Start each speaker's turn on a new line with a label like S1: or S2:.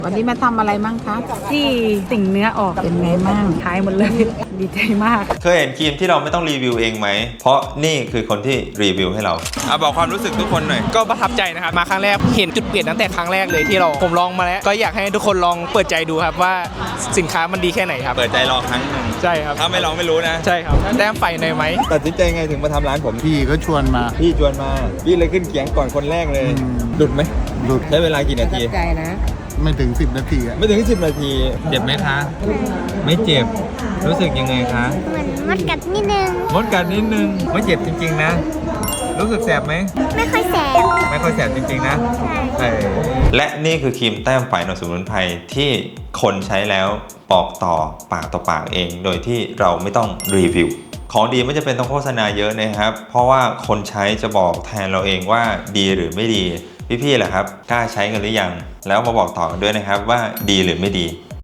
S1: วันนี้มาทำอะไรมั่งคะ
S2: ที่ติ่งเนื้อออก
S1: เป็นไงมั่ง
S2: หายหมดเลย ดีใจมาก
S3: เคยเห็นครีมที่เราไม่ต้องรีวิวเองไหม เพราะนี่คือคนที่รีวิวให้เราบอกความรู้สึกทุกคนหน่อย
S4: ก็ประทับใจนะครับมาครั้งแรกเห็นจุดเปลี่ยนตั้งแต่ครั้งแรกเลยที่ผมลองมาแล้วก็อยากให้ทุกคนลองเปิดใจดูครับว่าสินค้ามันดีแค่ไหนครับ
S3: เปิดใจลองครั้งหนึ่ง
S4: ใช่ครับ
S3: ถ้าไม่ลองไม่รู้นะ
S4: ใช่ครับแต้มไฟหน่อยไหม
S3: ตัดสินใจไงถึงมาทำร้านผม
S5: พี่ก็ชวนมา
S3: พี่ชวนมา พี่เลยขึ้นเขียงก่อนคนแรกเลยหลุดไหม
S5: หลุด
S3: ใช้เวลากี่นาที
S1: ใจนะ
S5: ไม่ถึง 10 นาทีอะ
S3: ไม่ถึง10 นาที เจ็บไหมคะ ไม่เจ็บ รู้สึกยังไงคะ
S6: เหมือนมดกัดนิดนึง
S3: มดกัดนิดนึง ไม่เจ็บจริงๆนะ รู้สึกแสบไหม
S6: ไม่ค่อยแสบ
S3: ไม่ค่อยแสบจริงๆนะ
S6: ใช่
S3: และนี่คือครีมแต้มไฟหนวดสมุนไพรที่คนใช้แล้วบอกต่อปากต่อปากเอง โดยที่เราไม่ต้องรีวิว ของดีไม่จำเป็นต้องโฆษณาเยอะนะครับ เพราะว่าคนใช้จะบอกแทนเราเองว่าดีหรือไม่ดี พี่ๆแหละครับกล้าใช้กันหรือยัง แล้วมาบอกต่อกันด้วยนะครับว่าดีหรือไม่ดี